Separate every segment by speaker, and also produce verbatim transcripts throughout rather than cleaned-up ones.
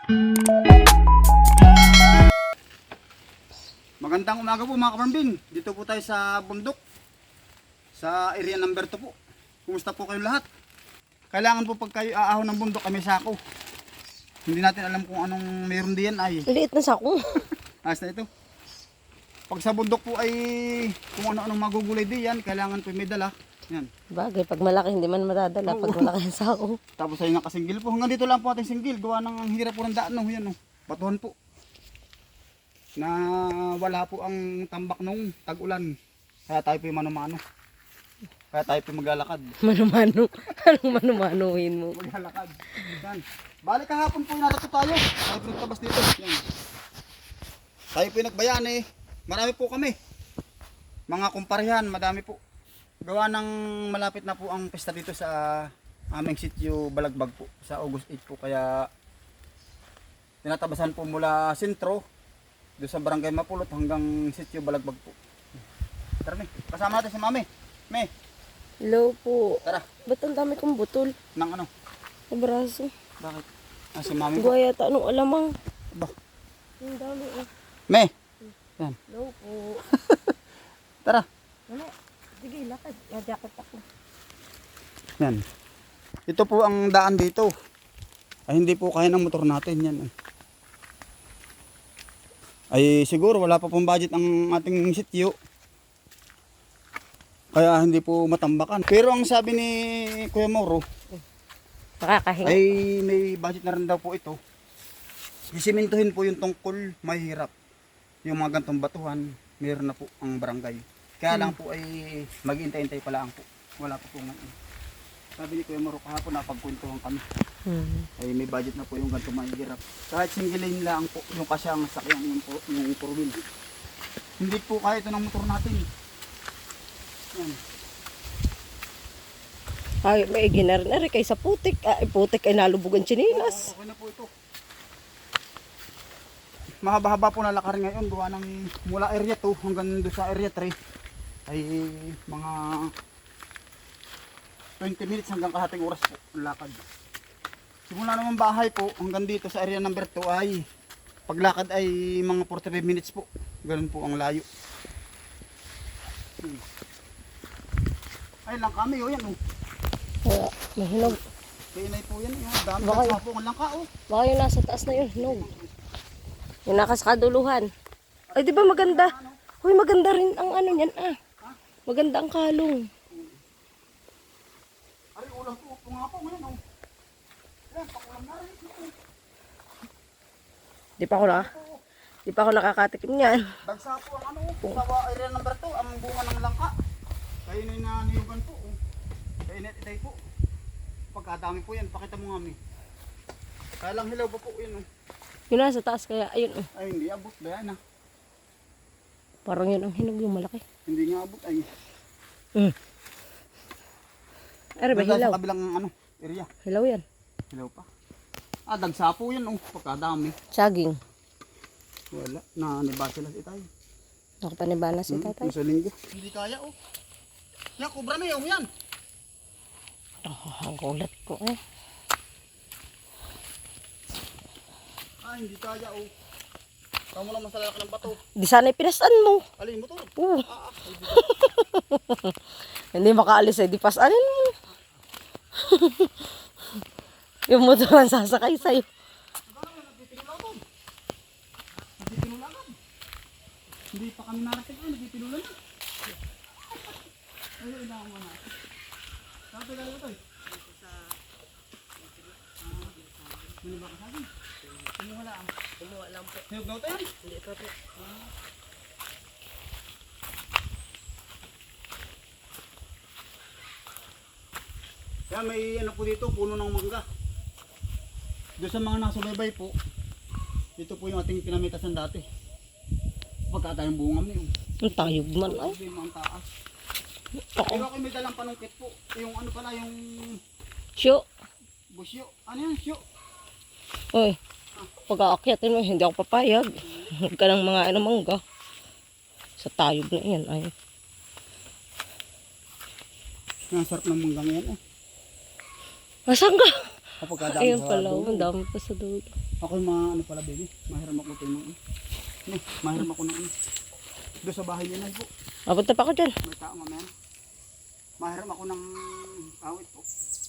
Speaker 1: Magandang umaga po mga kaparambin. Dito po tayo sa bundok. Sa area number two po. Kumusta po kayo lahat? Kailangan po pag kayo aahon ng bundok kami sako. Hindi natin alam kung anong meron diyan ay.
Speaker 2: Liit na sako.
Speaker 1: Ayos na ito. Pag sa bundok po ay kung ano-anong magugulay diyan, kailangan po may dala. Yan.
Speaker 2: Bagay, pag malaki hindi man madadala. Pag malaki ang sako.
Speaker 1: Tapos ay nakasinggil po. Hanggang dito lang po ating singgil. Gawa ng ang hirap po ng daan. No? Yan, no? Batuhan po. Na wala po ang tambak nung tag-ulan. Kaya tayo po yung mano-mano. Kaya tayo po maglalakad.
Speaker 2: Mano-mano. Anong mano-manohin mo?
Speaker 1: Maglalakad. Yan. Balik kahapon po yung natato tayo. Tayo po nagtabas dito. Yan. Tayo po yung nagbayan eh. Marami po kami. Mga kumparihan, madami po. Gawa ng malapit na po ang pesta dito sa aming sitio Balagbag po. Sa August eight po. Kaya tinatabasan po mula sentro doon sa barangay Mapulot hanggang sitio Balagbag po. Tara me, kasama natin si Mami. Me,
Speaker 2: Hello po.
Speaker 1: tara.
Speaker 2: Ba't ang dami kong butol?
Speaker 1: Nang ano?
Speaker 2: Sa braso.
Speaker 1: Bakit? Ah, si Mami po.
Speaker 2: Gaya ta, anong alamang?
Speaker 1: Ba?
Speaker 2: Ang dami eh.
Speaker 1: Me, yan.
Speaker 2: Hello po.
Speaker 1: Tara.
Speaker 2: Ano? Sige, lakad. Na-jacket ako.
Speaker 1: Yan. Ito po ang daan dito. Ay hindi po kaya ng motor natin yan. Ay siguro wala pa pong budget ang ating sitio. Kaya hindi po matambakan. Pero ang sabi ni Kuya Mauro,
Speaker 2: Makakahinga.
Speaker 1: ay may budget na rin daw po ito. Isimintuhin po yung tungkol, mahirap. Yung mga gantong batuhan, mayroon na po ang barangay. Kaya lang po ay mag-intay-intay pala ang po. Wala po po ngayon. Sabi ni Kuya Mauro kahapon, napagkwentuhan kami.
Speaker 2: Hmm.
Speaker 1: Ay may budget na po yung ganito mahirap. Kahit single lane lang po yung kasyang sakyan yung, yung four wheel. Hindi po kaya ito ng motor natin. Yan.
Speaker 2: Ay, may ginarin na rin kay sa putik. Ay, putik ay nalubugan chinilas.
Speaker 1: Oo, okay na po ito. Mahaba-haba po na lakarin ngayon. Gawa ng mula area two hanggang doon sa area three. Ay mga twenty minutes hanggang kalahating oras po ang lakad. Simula naman bahay po hanggang dito sa area number two ay paglakad ay mga forty-five minutes po. Ganun po ang layo. Hmm. Ay lang kami oh yan oh.
Speaker 2: Kaya, mahinog.
Speaker 1: Kainay po yan oh. Dami
Speaker 2: Baka-
Speaker 1: ng sapo ang langka oh.
Speaker 2: Baka yung nasa taas na yun, hinog. Yung nakasakaduluhan. Ay, di ba maganda? Huy, maganda rin ang ano niyan ah. Maganda ang kalong.
Speaker 1: Ay ulam po po nga po ngayon oh. Ayan, pakulam na rin.
Speaker 2: Di pa ako na. Di pa ako nakakatikim niyan.
Speaker 1: Dagsa po ang ano, sa area number two, ang bunga ng langka. Kayo na na niyugan po. Oh. Kayo na itay po. Pagkadami po yan, pakita mo nga mi. Kaya lang hilaw pa po yun. Oh.
Speaker 2: Yun nasa taas kaya, ayun oh.
Speaker 1: Ay hindi abot, ba yan ah.
Speaker 2: Parang yun ang hinog yung malaki.
Speaker 1: Hindi nga abot ay.
Speaker 2: Mm. Ay, ba
Speaker 1: Dagsa
Speaker 2: hilaw?
Speaker 1: sa kabilang ano, area.
Speaker 2: Hilaw yan.
Speaker 1: Hilaw pa. Ah, dagsa po yan oh, pagkadami.
Speaker 2: Saging.
Speaker 1: Wala, na nibasa lang itay.
Speaker 2: Nakapanibana si
Speaker 1: Hmm,
Speaker 2: tatay.
Speaker 1: sa linggo. Hindi kaya oh. Yan, kubra na yung yan.
Speaker 2: Oh, ang kulat ko eh.
Speaker 1: Ah, hindi kaya oh. Kamu lang masalala ka ng bato.
Speaker 2: Di sana'y pinasan mo.
Speaker 1: Alin mo to?
Speaker 2: Oo.
Speaker 1: Ah, ah, ay, di
Speaker 2: Hindi makaalis eh, di pasanin mo. Yung motor ang sasakay sa'yo.
Speaker 1: Hindi pa kami narating ay nagpipinulan na. Ay, ina mo na. Saan pa gano'n ito eh? Ano ba ka sabi? Kumuha lang.
Speaker 2: Kumuha lang po.
Speaker 1: Hiyog daw tayo?
Speaker 2: Hindi pa po.
Speaker 1: Kaya may ano po dito, puno ng mangga. Doon sa mga nasubaybay po, ito po yung ating pinamitasan dati. Pagkata yung bungam niyo.
Speaker 2: Ang tayog man ay.
Speaker 1: Ito yung mga taas.
Speaker 2: Oo.
Speaker 1: Pero ako may dalang panungkit po. Yung ano pala, yung
Speaker 2: Syo.
Speaker 1: busyo. Ano yan, syo?
Speaker 2: Uy. Pag-aakyatin mo, hindi ako papayag. Huwag ka ng mga ano mangga. Sa tayog na yan ay.
Speaker 1: Ang sarap ng manggang yan eh.
Speaker 2: Nasaan ka?
Speaker 1: Kapag kadami
Speaker 2: Ayun
Speaker 1: sa
Speaker 2: pala,
Speaker 1: dulo.
Speaker 2: ang dami pa sa dulo.
Speaker 1: Ako yung mga ano pala baby, mahiram ako ito yung ano, mahiram ako ng ano. Doon sa bahay nila po,
Speaker 2: Mapunta pa ako dyan.
Speaker 1: may tao mamaya. Mahiram ako ng awit po.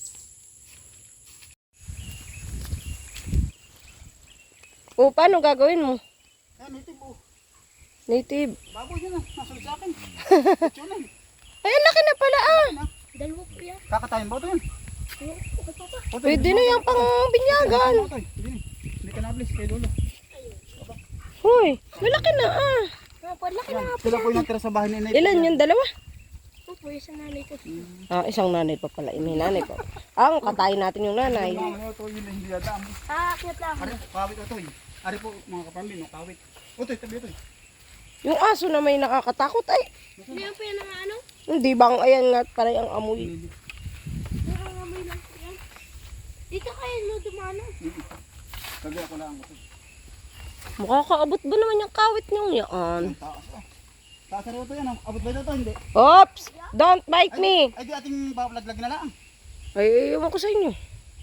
Speaker 2: O, paano gagawin mo?
Speaker 1: Ayan, ito po.
Speaker 2: Native.
Speaker 1: Baboy yun ah, nasunod sa akin. Ito yun
Speaker 2: Ay, ang laki na pala ah.
Speaker 3: Dalawa po yan.
Speaker 1: Kakatayin ba ito yun?
Speaker 3: Oo, okay pa pa.
Speaker 1: Otoy,
Speaker 2: Pwede na yung pang binyagan.
Speaker 1: Otoy, Hindi hindi ka nablis kay Lolo.
Speaker 2: Hoy, malaki na ah.
Speaker 3: Ah, palaki na
Speaker 1: Yan,
Speaker 3: nga po.
Speaker 1: sila po yung natira sa bahay ni Nay.
Speaker 2: Ilan yung dalawa?
Speaker 3: Oo po, isang nanay ko.
Speaker 2: Ah, isang nanay pa pala. May nanay pa. Ah, katayin natin yung nanay.
Speaker 1: Mga ano ito, yun hindi yata.
Speaker 3: Ah, akyat lang.
Speaker 1: Ari, kawit Otoy. Ari po mga kapambin, no, kawit. Otoy, tabi Otoy.
Speaker 2: Yung aso na may nakakatakot ay.
Speaker 3: Hindi yan po yan ang ano?
Speaker 2: Hindi bang ayan nga paray ang amoy.
Speaker 3: Nangangamoy lang po yan. Dito kayo no dumano.
Speaker 1: Kagi ako lang Otoy.
Speaker 2: Makakaabot ba naman yung kawit niyong yan?
Speaker 1: Ang taas ah. Taas rin ito yan, ah. Abot ba ito hindi?
Speaker 2: Oops! Don't bite me!
Speaker 1: Ay di ating papalaglag na lang.
Speaker 2: Ay, ewan ko sa inyo.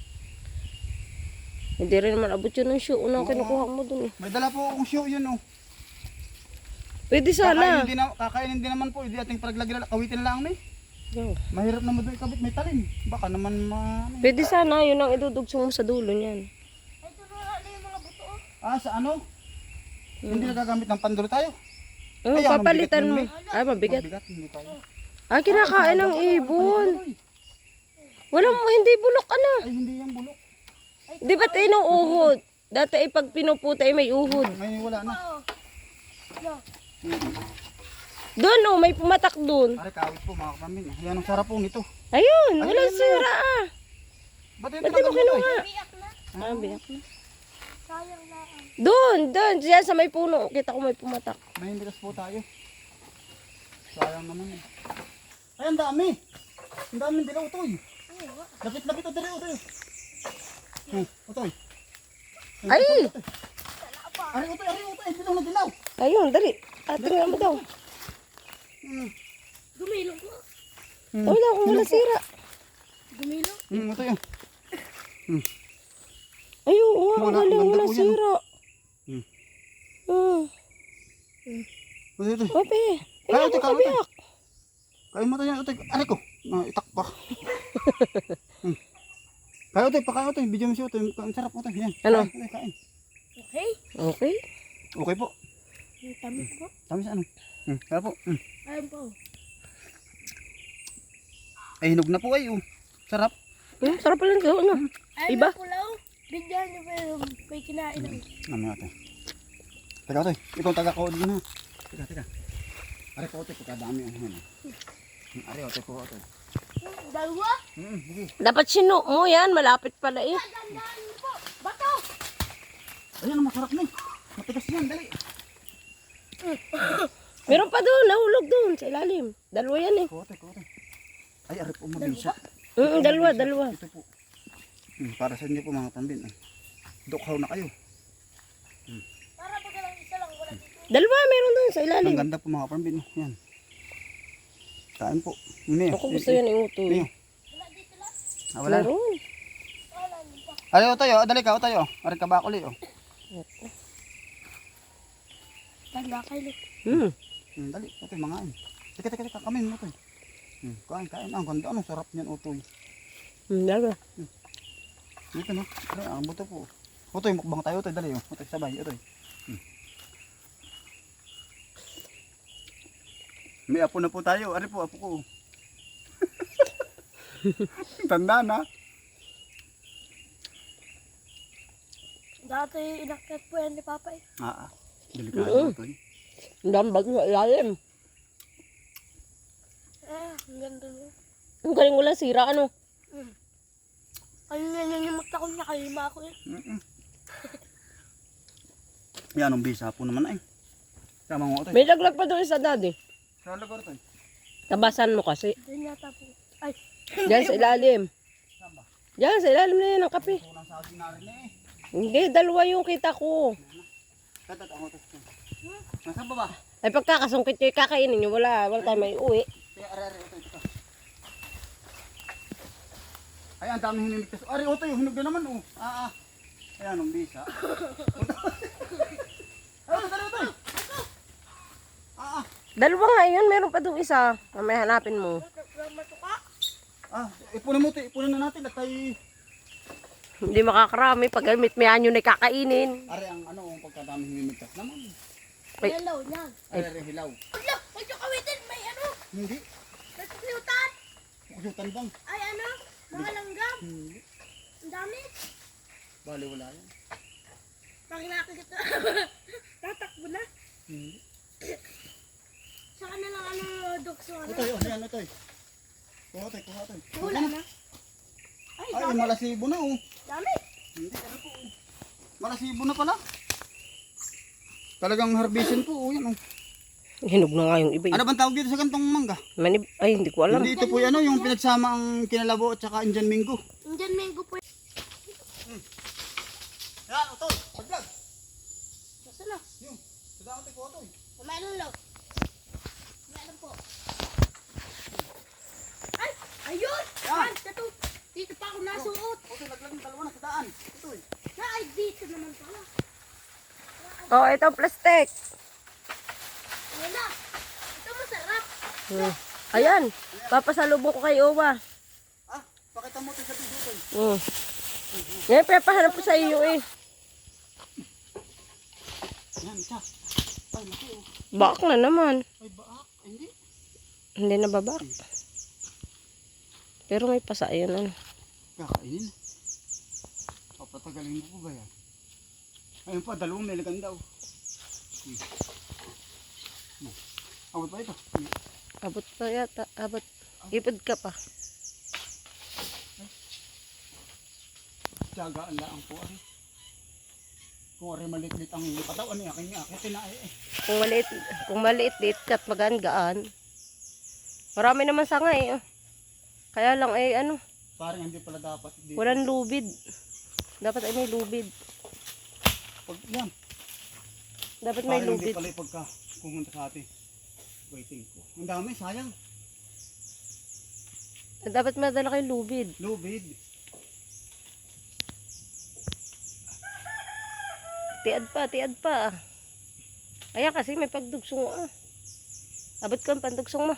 Speaker 2: Hindi rin naman abot yun ng shoe. Unang kinukuha mo dun eh.
Speaker 1: May dala po akong show yun oh.
Speaker 2: Pwede
Speaker 1: Kakainin
Speaker 2: sana.
Speaker 1: din, na, kakainin din naman po, hindi ating palaglag na lang. Kawitin na lang may.
Speaker 2: Yan.
Speaker 1: Mahirap naman doon ikabit, may talim. Baka naman ma... ano eh.
Speaker 2: Pwede sana. Yun ang idudugsong mo sa dulo niyan.
Speaker 3: Ay, turuan na yung mga buto. oh.
Speaker 1: Ah, sa ano? Hindi nagagamit ng pandulo tayo.
Speaker 2: Oh,
Speaker 1: Ay, ang
Speaker 2: papalitan
Speaker 1: mabigat
Speaker 2: mo.
Speaker 1: yun, May.
Speaker 2: Ay, mabigat.
Speaker 1: Mabigat, hindi tayo.
Speaker 2: Ah, kinakain ng ibon. Walang, hindi bulok ano.
Speaker 1: Ay, hindi yan bulok.
Speaker 2: Di ba't inuuhod? Dati ay pag pinuputa ay may uhod.
Speaker 1: Ngayon wala na.
Speaker 3: Oo. Yo.
Speaker 2: Doon oh, may pumatak doon.
Speaker 1: Pare, kawit po mga kapambin. Yan ang sarap po nito.
Speaker 2: Ayun,
Speaker 1: Ayun
Speaker 2: walang
Speaker 1: na.
Speaker 2: sira ah.
Speaker 1: Ba't yung
Speaker 2: Ba't di mo
Speaker 1: tinagal mo
Speaker 2: kinuha?
Speaker 3: Biyak na.
Speaker 2: Ah, biyak na.
Speaker 3: Sayang lang.
Speaker 2: Doon, doon. Diyan sa may puno. Kita ko may pumatak.
Speaker 1: May hindikas po tayo. Sayang naman eh. Ay, ang dami. Ang dami dilaw, Utoy. Lapit-lapit o dali, Utoy. Hmm, Utoy.
Speaker 2: Ay!
Speaker 1: Ari, Utoy, ari, Utoy. Dilaw na dilaw.
Speaker 2: Ayun, dali. Atin nga mo daw.
Speaker 1: Hmm,
Speaker 3: Gumilong po.
Speaker 1: hmm.
Speaker 2: Wala akong wala sira.
Speaker 3: Gumilong.
Speaker 1: Hmm, Utoy. ah.
Speaker 2: Ayun, nga, ang
Speaker 1: Wala,
Speaker 2: galing.
Speaker 1: ganda
Speaker 2: Wala
Speaker 1: po yan,
Speaker 2: sira.
Speaker 1: Hmm.
Speaker 2: Hmm.
Speaker 1: Utoy, Utoy.
Speaker 2: Ope.
Speaker 1: Kaya,
Speaker 2: Ay,
Speaker 1: Utoy,
Speaker 2: ako
Speaker 1: kaya, Utoy.
Speaker 2: kabiyak.
Speaker 1: Kain mo tayo, Utoy. Ari ko. Ah, itak pa. Hmm. Kaya, Utoy, pakain, Utoy. Bidyo mo siya, Utoy. Ang sarap, Utoy. Yan.
Speaker 2: Ano?
Speaker 1: Kain, Utoy, kain.
Speaker 3: Okay.
Speaker 2: Okay.
Speaker 1: Okay po.
Speaker 3: Ang tamis po.
Speaker 1: Tamis ano? Hmm, kaya po. Hmm.
Speaker 3: Ayun po.
Speaker 1: Ay, hinog na po ay. Oh. Sarap.
Speaker 2: Hmm, sarap pala ng ano.
Speaker 3: Ayun
Speaker 2: Iba?
Speaker 3: na po lang. Bigyan niyo pa yung may kinain ng
Speaker 1: Ano nga, Utoy. Teka, Utoy. Ikaw taga-kood din ha. Teka, teka. Ari po, Utoy. Pagkadami. Ano, ano. Hmm, Ari, Utoy po, Utoy.
Speaker 3: dalawa.
Speaker 1: Hmm, sige.
Speaker 2: Dapat sino mo yan. Malapit pala eh.
Speaker 3: Tandaan niyo po. Bato.
Speaker 1: Ayun, ang masarap na eh. Matigas yan, dali.
Speaker 2: Meron pa doon. Nahulog doon sa ilalim. Dalawa yan eh.
Speaker 1: Kote, kote. Ay, ari po, mabisa.
Speaker 2: Mm, dalawa, dalawa.
Speaker 1: Ito po. Hmm, para sa inyo po mga pambin. Eh. Dukhaw na kayo.
Speaker 3: Para pag lang isa lang wala dito.
Speaker 2: Dalawa meron doon sa
Speaker 1: Ang
Speaker 2: ilalim.
Speaker 1: ganda po mga pambin. Oh. Yan. Kain po. Mia.
Speaker 2: Ako gusto yan iutoy.
Speaker 1: Mia.
Speaker 3: Wala dito lang.
Speaker 1: Ah, wala.
Speaker 2: Meron.
Speaker 3: Wala dito.
Speaker 1: Ay, Utoy, oh. Dali ka, Utoy, oh. Ari ka ba kuli, oh.
Speaker 3: Tanda kayo.
Speaker 2: Hmm.
Speaker 1: Hmm, dali, Utoy, mangain. Teka, teka, teka. Kamin mo, Utoy. Hmm, kain, kain. Ang ganda, ano, sarap niyan, Utoy.
Speaker 2: Hmm, dalawa.
Speaker 1: Dito, no? Ay, ang buto po. Utoy, mukbang tayo, Utoy. Dali, oh. Utoy, sabay, Utoy. Hmm. May apo na po tayo. Ari po, apo ko. Tanda na.
Speaker 3: Dati inakyat po yan ni Papa eh.
Speaker 1: Ah, ah. Delikado,
Speaker 2: Oo.
Speaker 1: Utoy.
Speaker 2: Ang dambag sa ilalim.
Speaker 3: Eh, ang ganda mo.
Speaker 2: Ang galing wala sira ano.
Speaker 3: Hmm. Ano na yan yung magtakon niya, kalima ako eh.
Speaker 1: Mm-mm. Yan, ang bisa po naman ay. Tama mo, Utoy.
Speaker 2: May laglag pa doon sa daddy.
Speaker 1: Sa lugar, Utoy.
Speaker 2: Tabasan mo kasi.
Speaker 3: Doon yata po. Ay,
Speaker 2: Diyan sa ilalim.
Speaker 1: Saan ba?
Speaker 2: Diyan sa ilalim na yan ang kape.
Speaker 1: Unang sa akin na rin eh.
Speaker 2: Hindi, dalawa yung kita ko.
Speaker 1: Tatat, ang Utoy. Nasaan ba ba?
Speaker 2: Ay pagkakasungkit nyo, kakainin nyo. Wala, wala tayo may uwi.
Speaker 1: Kaya, ari, ari, Utoy. Ito. Ay, ang daming hinimigtas. Ari, oto yung hinog na naman, oh. Ah, ah. Ayan, ang bisa. Ay, oto, oto. Ah, ah.
Speaker 2: Dalawa nga yun, meron pa doon isa. Mamaya hanapin mo.
Speaker 3: Matuka.
Speaker 1: Ah, ipunin mo, te. Ipunin na natin at tayo.
Speaker 2: Hindi makakarami pag mitmihan yun ay kakainin.
Speaker 1: Ari, ang ano, ang pagkadaming hinimigtas naman.
Speaker 2: Ay.
Speaker 3: Hello, yan.
Speaker 1: Ari, ari, hilaw.
Speaker 3: Wala, huwag yung kawitin. May ano,
Speaker 1: Hindi.
Speaker 3: nasusutan.
Speaker 1: Kusutan bang?
Speaker 3: Ay ano, mga langgam.
Speaker 1: Hindi.
Speaker 3: Ang dami.
Speaker 1: Bali, wala yan.
Speaker 3: Pag nakakita, tatakbo na.
Speaker 1: Hindi.
Speaker 3: Saka na lang ano, dukso ano.
Speaker 1: Ito, yun, yan, ito. Kuha tayo, kuha tayo.
Speaker 3: Wala na. Ay,
Speaker 1: Ay,
Speaker 3: dami.
Speaker 1: malasibo na, oh.
Speaker 3: Dami.
Speaker 1: Hindi, ano po, oh. Malasibo na pala. Talagang harbisin po, oh, yan, oh.
Speaker 2: Hinog na nga yung iba.
Speaker 1: Ano bang tawag dito sa gantong mangga?
Speaker 2: Manib ay, hindi ko alam.
Speaker 1: Hindi, ito po, ano, yung pinagsama ang kinalabo at saka Indian Mingo.
Speaker 3: Indian mango po.
Speaker 1: Yan, utol, paglag.
Speaker 3: Nasa na?
Speaker 1: Yung, sadaan tayo po, utol.
Speaker 3: Kumain lang. Kumain po. Ay, ayun.
Speaker 1: Yan.
Speaker 3: Yan, tato. Dito pa ako nasuot.
Speaker 1: Utol, naglag ng dalawa na sadaan. Ito, eh.
Speaker 3: Na, ay dito naman pala.
Speaker 2: Oh, ito plastic.
Speaker 3: Wala. Ito masarap.
Speaker 2: Hmm. Ayan, papasalubong ko kay Owa.
Speaker 1: Ah, pakita mo ito sa video, utol.
Speaker 2: Hmm. Yan, pinapahanap ko sa iyo eh.
Speaker 1: Yan, isa. Ay, laki, oh.
Speaker 2: Bak na naman.
Speaker 1: Ay, baak. Ay, hindi.
Speaker 2: Hindi na babak. Pero may pasa yun ano.
Speaker 1: Kakainin. Papatagalin ko ba yan? Ayun pa, dalawang may lagan daw. Hmm. Hmm. Awal pa ito. Hmm.
Speaker 2: Abot pa yata, abot. Ipod ka pa.
Speaker 1: Tiyagaan lang po, ari. Kung ari maliit-liit ang katawan niya, kanya akitin na eh.
Speaker 2: Kung maliit, kung maliit liit kat magaan-gaan. Marami naman sanga eh. oh. Kaya lang eh ano,
Speaker 1: Parang hindi pala dapat dito.
Speaker 2: walang lubid. Dapat ay may lubid.
Speaker 1: Pag, yan.
Speaker 2: Dapat may
Speaker 1: Parang hindi
Speaker 2: lubid.
Speaker 1: pala yung pagka pumunta sa atin. Waiting ko. Ang dami, sayang.
Speaker 2: Dapat madala kayo lubid.
Speaker 1: Lubid.
Speaker 2: Tiad pa, tiad pa. Ayan kasi may pagdugsong ah. Abot ko ang pandugsong mo.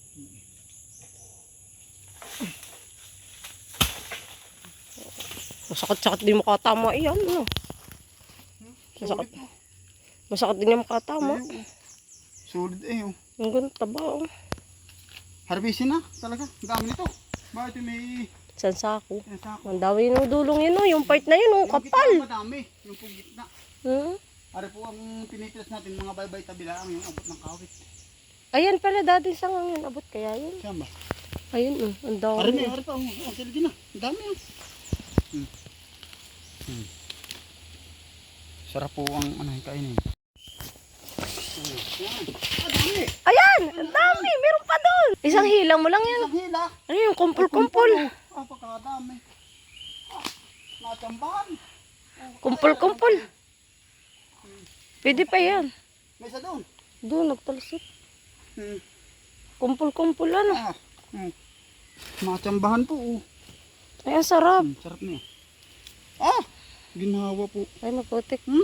Speaker 2: Masakit-sakit din makatama iyan. No? Masakit. Masakit din yung makatama.
Speaker 1: Sulit eh. Oh.
Speaker 2: Ang ganda ba oh.
Speaker 1: Harbisin na talaga. Ang dami nito. Bakit yung may
Speaker 2: San sako.
Speaker 1: yan sa ako?
Speaker 2: Ang dami yung dulong yun oh. Yung part na yun oh.
Speaker 1: Yung
Speaker 2: Kapal.
Speaker 1: gitna madami. Yung pong gitna.
Speaker 2: Hmm?
Speaker 1: Ari po ang pinipilas natin mga baybay tabilaang yung abot ng kawit.
Speaker 2: Ayan pala dati sa ngayon. Abot kaya yun.
Speaker 1: Siya ba?
Speaker 2: Ayun oh. Ang dami.
Speaker 1: Ari may ari pa. Oh, oh, sila din na. Ang dami oh. Hmm. Hmm. Sarap po ang ano yung kainin. Hmm. Yan. Ah, dami.
Speaker 2: Ayan! Ang dami! Meron pa doon! Isang hilang mo lang yan.
Speaker 1: Isang hila.
Speaker 2: Ano yung kumpul-kumpul?
Speaker 1: Ah, pagkakadami. Ah, natambahan. Oh,
Speaker 2: Kumpul-kumpul. Pwede pa yan.
Speaker 1: may isa doon.
Speaker 2: Doon, nagtalsik.
Speaker 1: Hmm.
Speaker 2: Kumpul-kumpul ano.
Speaker 1: Ah. Hmm. Natambahan po. Oh.
Speaker 2: Ay, ang sarap.
Speaker 1: Hmm, sarap niya. Ah! Ginawa po.
Speaker 2: Ay, maputik.
Speaker 1: Hmm?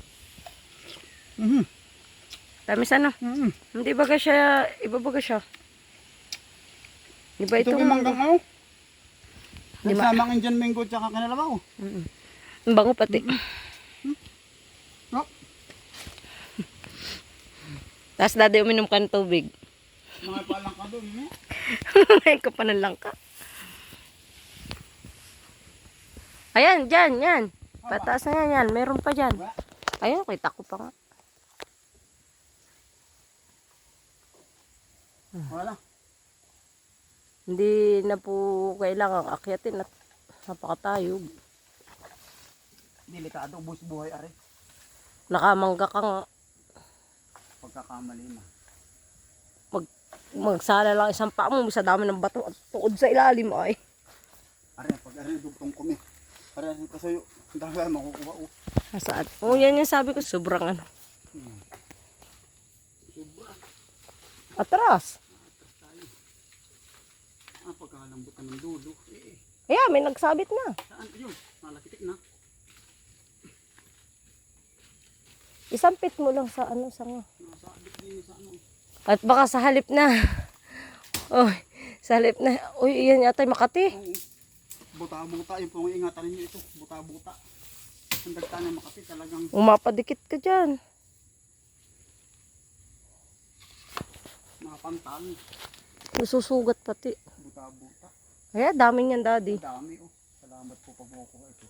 Speaker 1: Mhm.
Speaker 2: Tamis ano.
Speaker 1: Mhm.
Speaker 2: Hindi baga siya, iba baga siya. Iba
Speaker 1: Ito
Speaker 2: itong
Speaker 1: yung manggang ako.
Speaker 2: Di ba?
Speaker 1: Nagsamang Indian mango at saka kanalabaw.
Speaker 2: Mm-mm. Ang bango pati.
Speaker 1: Oh,
Speaker 2: Tapos dati uminom ka ng tubig.
Speaker 1: mga palang ka doon. Eh.
Speaker 2: May kapanan lang ka. Ayan, dyan, yan. Pataas na yan, yan. Meron pa dyan.
Speaker 1: Diba?
Speaker 2: Ayun, kita ko pa nga.
Speaker 1: Wala.
Speaker 2: Hindi na po kailangan akyatin at napakatayog.
Speaker 1: Delikado, bus buhay are.
Speaker 2: Nakamangga ka nga.
Speaker 1: Pagkakamali na.
Speaker 2: Mag, magsala lang isang paa mo, sa dami ng bato at tuod sa ilalim ay.
Speaker 1: Are, pag are, dugtong kumi. Are, kasi yung dahil makukuha. Oh.
Speaker 2: Nasaan? Oo, yan yung sabi ko, sobrang ano.
Speaker 1: Hmm. Sobra.
Speaker 2: Atras.
Speaker 1: Ah, pagkakalambot na ng dulo. Eh,
Speaker 2: Ayan, may nagsabit na.
Speaker 1: Saan? Ayun, nalakitik na.
Speaker 2: Isampit mo lang sa ano, sa nga.
Speaker 1: Nasabit din sa ano.
Speaker 2: At baka sa halip na. Oh, sa halip na. Uy, iyan yata yung Makati.
Speaker 1: Oo. Buta-buta, yung pong ingatan ninyo ito. Buta-buta. Ang dagta ng Makati talagang
Speaker 2: Umapadikit ka dyan.
Speaker 1: mapantal.
Speaker 2: Nasusugat pati.
Speaker 1: Buta-buta.
Speaker 2: Ayan, dami niyan, daddy.
Speaker 1: Ang dami oh. Salamat po pag makukuha ito.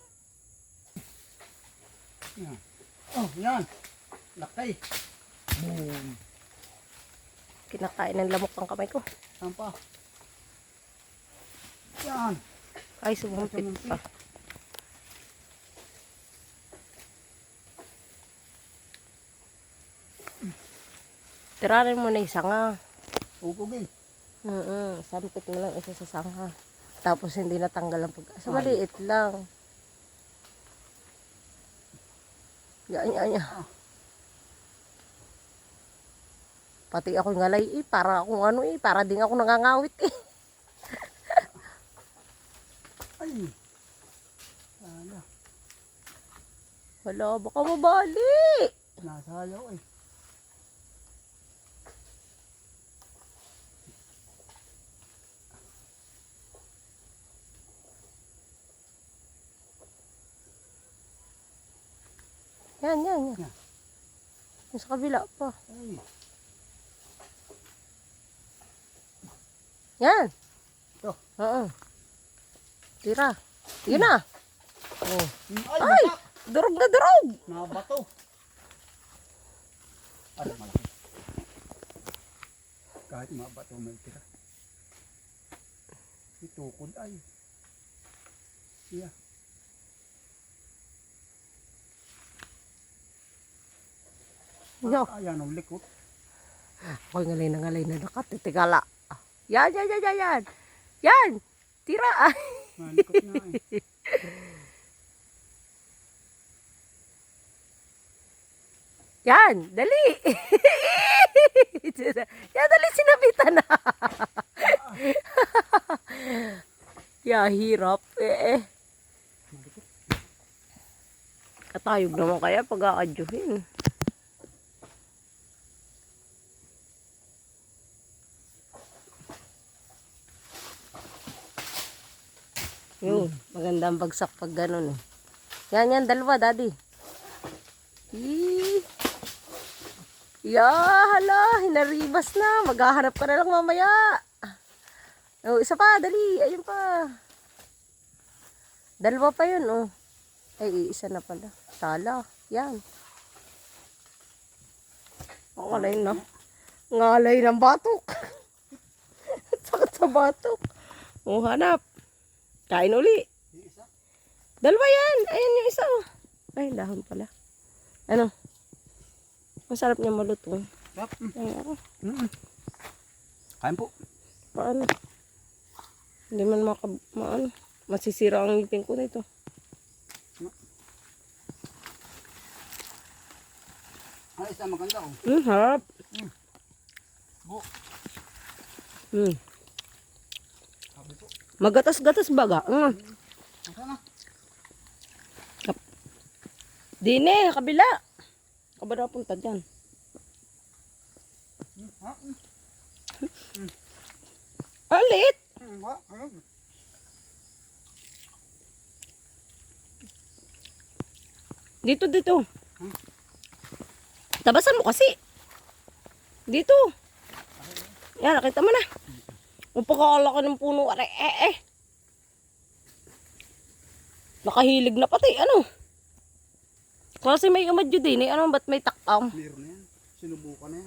Speaker 1: Yan. Oh, yan. Lakay. Boom.
Speaker 2: Kinakain ng lamok ang kamay ko.
Speaker 1: Saan pa? Yan.
Speaker 2: Ay, sumumpit pa. Tirarin mo na isa nga.
Speaker 1: Ugugin.
Speaker 2: Mm sampit mo lang isa sa sangha. Tapos hindi natanggal ang pag-asa. Maliit lang. Yan, yan, yan. Pati ako ngalay eh. Para akong ano eh. Para din ako nangangawit eh.
Speaker 1: Ay. Sana.
Speaker 2: Wala, baka mabali.
Speaker 1: Nasayaw eh.
Speaker 2: Yan, yan, yan.
Speaker 1: Yan.
Speaker 2: Yung sa kabila pa.
Speaker 1: Ay.
Speaker 2: Yan.
Speaker 1: Ito.
Speaker 2: Oo. Tira. Yun na. Oh.
Speaker 1: Ay,
Speaker 2: Ay!
Speaker 1: batak.
Speaker 2: Durog na durog!
Speaker 1: Nabato. Ay, malaki. Kahit mabato may tira. Itukod ay. Yeah.
Speaker 2: Yo.
Speaker 1: Ayan ang likot.
Speaker 2: Ako'y ngalay na ngalay na nakatitigala. Yan, yan, yan, yan, yan. Yan! Tira! Ay.
Speaker 1: Malikot na eh.
Speaker 2: Yan! Dali! Yan, dali sinabitan na. Ya, hirap eh. Katayog naman kaya pag aadyuhin. Yun, magandang bagsak pag ganun eh. Yan, yan, dalawa, daddy. Yee. Ya, hala, hinaribas na. Maghahanap ka na lang mamaya. Oh, isa pa, dali. Ayun pa. Dalawa pa yun, oh. Ay, isa na pala. Sala. Yan. Ang ngalay na. Ngalay ng batok. Sakit sa batok. Oh, hanap. Kain uli. Dalawa yan. Ayan yung isa, oh. Ay, dahon pala. Ano? Masarap niya malutong.
Speaker 1: Yep.
Speaker 2: Ay, ako.
Speaker 1: Mm-mm. Kain po.
Speaker 2: Paano? Hindi man maka, maano, masisira ang ngipin ko nito.
Speaker 1: Ay, isa maganda oh.
Speaker 2: Hmm, harap.
Speaker 1: Mm. Bu.
Speaker 2: Hmm.
Speaker 1: Sabi po.
Speaker 2: Magatas-gatas baga. Hmm.
Speaker 1: Nasaan na?
Speaker 2: Dine, kabila. Kabila punta dyan.
Speaker 1: Hmm, ha? Hmm.
Speaker 2: Alit.
Speaker 1: Hmm, wa? Ayun.
Speaker 2: Dito, dito.
Speaker 1: Hmm?
Speaker 2: Tabasan mo kasi. Dito. Yan, nakita mo na. Ang pagkakalaki ng puno. Aray, eh, eh. Nakahilig na pati. Ano? Kasi may amadyo din eh. Ano, ba't may takam?
Speaker 1: Meron na yan. Sinubukan na yan.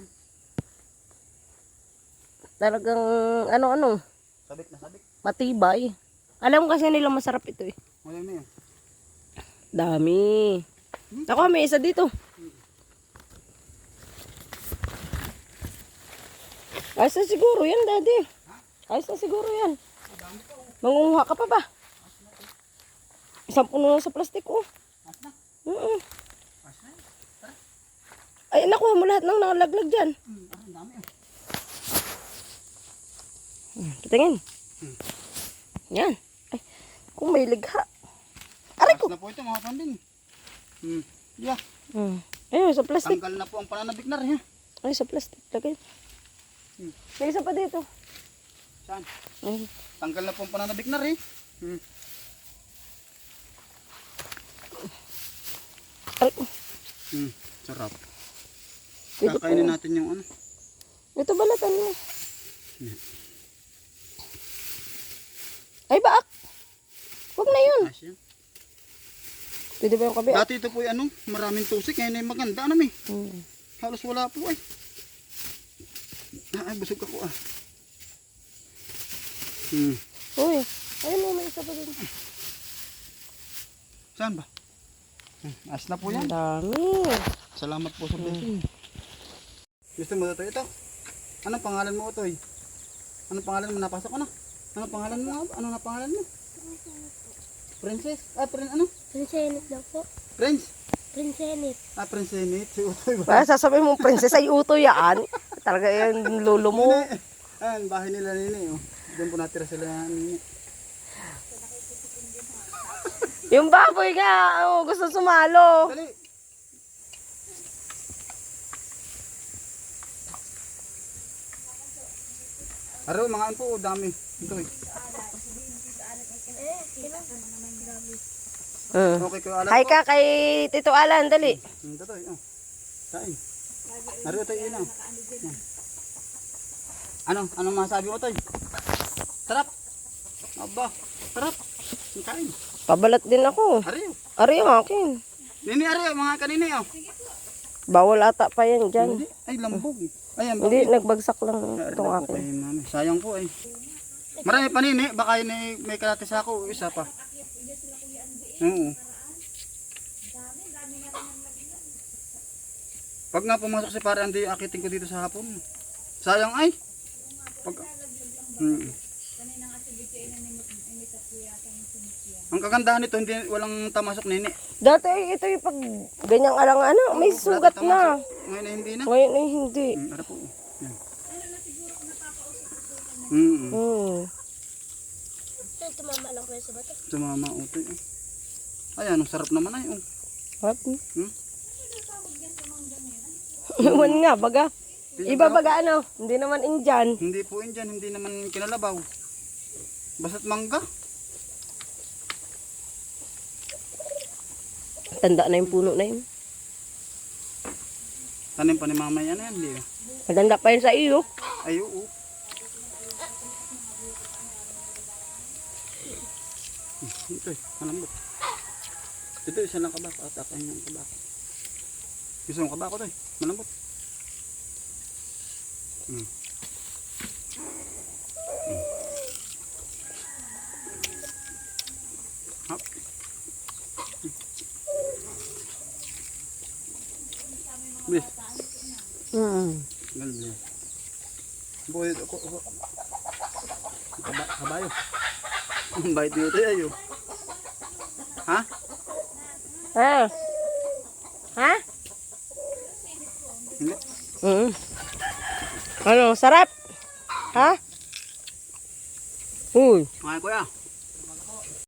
Speaker 2: Talagang, ano-ano,
Speaker 1: Sabik na sabik.
Speaker 2: matibay. Alam kasi nila masarap ito eh.
Speaker 1: Wala na yan.
Speaker 2: Dami. Ako, may isa dito. Ayos na siguro yan, daddy. Ayos na siguro yan. Mangunguha ka pa ba? Isang puno na sa plastic, oh.
Speaker 1: As na.
Speaker 2: Mm-mm.
Speaker 1: As na.
Speaker 2: Ay, nakuha mo lahat ng nakalaglag dyan.
Speaker 1: Hmm, ah, ang dami oh.
Speaker 2: Hmm, Patingin.
Speaker 1: Hmm.
Speaker 2: Yan. Ay, may ligha. Aray ko.
Speaker 1: Taas na po ito mga pandin. Hmm. Yeah.
Speaker 2: Hmm. Ayun, sa plastic.
Speaker 1: Tanggal na po ang pananabik na rin ha.
Speaker 2: Ay, sa plastic. Lagay.
Speaker 1: Hmm.
Speaker 2: May isa pa dito.
Speaker 1: Saan?
Speaker 2: Ayun.
Speaker 1: Tanggal na po ang pananabik na rin. Hmm.
Speaker 2: Aray ko.
Speaker 1: Hmm. Sarap.
Speaker 2: Pwede
Speaker 1: Kakainin
Speaker 2: po.
Speaker 1: natin yung ano.
Speaker 2: Ito balatan mo.
Speaker 1: Hmm.
Speaker 2: Ay, baak. Huwag na yun.
Speaker 1: Asya.
Speaker 2: Pwede ba yung kabi?
Speaker 1: Dati ito po ay ano, maraming tusik. Ngayon ay maganda. Ano mi?
Speaker 2: Hmm.
Speaker 1: Halos wala po ay. Ah, Ay, busog ako ah. Hmm.
Speaker 2: Uy. Ayun mo, may isa pa dito.
Speaker 1: Saan ba? Hmm. As na po yan.
Speaker 2: Ang dami.
Speaker 1: Salamat po sa blessing. Gusto mo ito ito? Anong pangalan mo ito? Anong pangalan mo? Napasok ka na? Anong pangalan mo? Ano na pangalan mo? Princess? Ah, prin ano?
Speaker 3: Prinsenit daw po.
Speaker 1: Prince?
Speaker 3: Prinsenit.
Speaker 1: Ah, Prinsenit. Si Utoy ba?
Speaker 2: Para sasabihin mong princess ay uto yan. Talaga yung lolo mo.
Speaker 1: Nini. Ayan, bahay nila nini. Oh. Diyan po natira sila nini.
Speaker 2: Yung baboy nga, oh, gusto sumalo.
Speaker 1: Dali! Aro, mga ano po, dami. Ito eh.
Speaker 2: Uh.
Speaker 1: Okay, kayo alam
Speaker 2: Hi
Speaker 1: po.
Speaker 2: ka kay Tito Alan, dali.
Speaker 1: Hmm, ito eh. Oh. Sain. Aro, ito yun oh. Yan. Ano? Anong masabi mo ito? Sarap! Aba, sarap! Ang kain.
Speaker 2: Pabalat din ako.
Speaker 1: Ari,
Speaker 2: Ari yung akin.
Speaker 1: nini, ari, mga kanini oh.
Speaker 2: Bawal ata pa yan dyan.
Speaker 1: Hindi, ay lambog eh. Ayan,
Speaker 2: Hindi,
Speaker 1: bakit?
Speaker 2: nagbagsak lang
Speaker 1: Ari
Speaker 2: itong
Speaker 1: lang po
Speaker 2: akin.
Speaker 1: kay mami. Sayang po eh. Marami pa nini, baka yun eh, may kalatis ako, isa pa. Oo. Pag nga pumasok si pare Andy, akitin ko dito sa hapon. Sayang ay. Pag hmm. Ang kagandahan nito, hindi walang tamasok nini.
Speaker 2: Dati ito yung pag ganyang alang ano, may
Speaker 1: Wala
Speaker 2: sugat
Speaker 1: tamasok.
Speaker 2: na.
Speaker 1: Ngayon ay hindi na.
Speaker 2: Ngayon ay hindi.
Speaker 1: Hmm, ano po. Yan. Hmm.
Speaker 2: Hmm.
Speaker 3: Ay, tumama lang kayo sa bato.
Speaker 1: Sumama utoy. Eh. Ayan, ang sarap naman ay. Oh.
Speaker 2: What?
Speaker 1: Hmm?
Speaker 2: Iwan nga, baga. Iba baga ano, hindi naman Indian.
Speaker 1: Hindi po yun dyan, hindi naman kinalabaw. Basta't mangga.
Speaker 2: Tanda na yung puno na yun.
Speaker 1: Tanim pa ni mama yan, yan, hindi.
Speaker 2: Matanda pa yun sa iyo.
Speaker 1: Ay, oo. Hmm, Ito eh, malambot. Ito isa lang kabako at akin yung kabako. Gusto mong kabako ito eh, malambot. Hmm. Hmm. Hop. Bis,
Speaker 2: Hmm.
Speaker 1: galbi. Boy, ako, ako. Kaba, kabayo. Ang bait nito ayo. Ha?
Speaker 2: Ha? Ha?
Speaker 1: Hindi.
Speaker 2: Hmm. Ano, sarap? Ha? Uy.
Speaker 1: Okay, kuya.